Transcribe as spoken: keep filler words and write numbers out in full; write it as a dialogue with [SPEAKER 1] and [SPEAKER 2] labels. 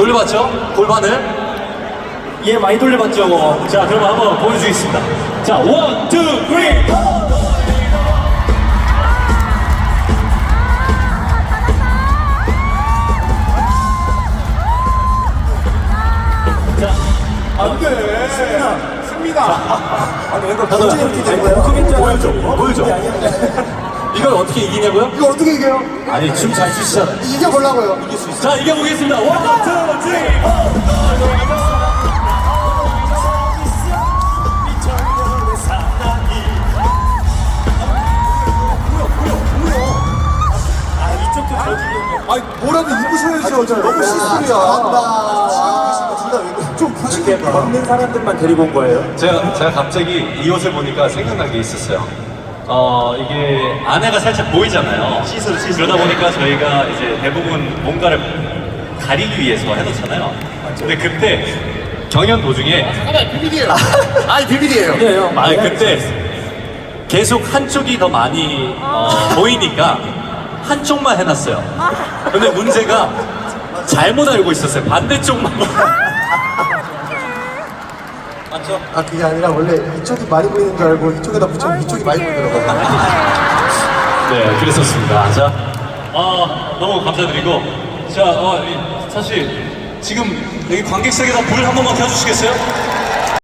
[SPEAKER 1] 돌려봤죠? 골반을.
[SPEAKER 2] 예, 많이 돌려봤죠. 뭐. 자, 그럼 한번 보여주겠습니다. 자, 원, 투, 쓰리, 포!
[SPEAKER 3] 안 돼. 승민아. 승민아. 아니, 이거
[SPEAKER 1] 다들
[SPEAKER 3] 이렇게 된 거야?
[SPEAKER 1] 보여줘, 보여줘. 이걸 어떻게 이기냐고요?
[SPEAKER 3] 이거 어떻게 이겨요?
[SPEAKER 1] 아니, 춤 잘 추시잖아요.
[SPEAKER 3] 이겨보려고요.
[SPEAKER 1] 이길 수 있어.
[SPEAKER 2] 자, 이겨보겠습니다. 원, 투, 쓰리, 포!
[SPEAKER 3] 아니, 뭐라도 입으셔야죠. 저 너무 실수야. 좀 부시니까.
[SPEAKER 2] 걷는 사람들만 데리고 온 거예요.
[SPEAKER 1] 제가, 제가 갑자기 이 옷을 보니까 생각난 게 있었어요. 어, 이게 안에가 살짝 보이잖아요.
[SPEAKER 2] 시술, 시술.
[SPEAKER 1] 그러다 보니까 저희가 이제 대부분 뭔가를 가리기 위해서 해놓잖아요. 근데 그때 경연 도중에
[SPEAKER 3] 아니, 비밀이에요.
[SPEAKER 2] 아니에요.
[SPEAKER 1] 아니 그때 계속 한쪽이 더 많이 어, 보이니까 한쪽만 해놨어요. 근데 문제가 잘못 알고 있었어요. 반대쪽만. 맞죠?
[SPEAKER 3] 아, 그게 아니라 원래 이쪽이 많이 보이는 줄 알고 이쪽에다 붙이면 이쪽이 많이 보이더라고요.
[SPEAKER 1] 네, 그랬었습니다. 자, 어, 너무 감사드리고, 자, 어, 이, 사실 지금 여기 관객석에다 불 한 번만 켜주시겠어요?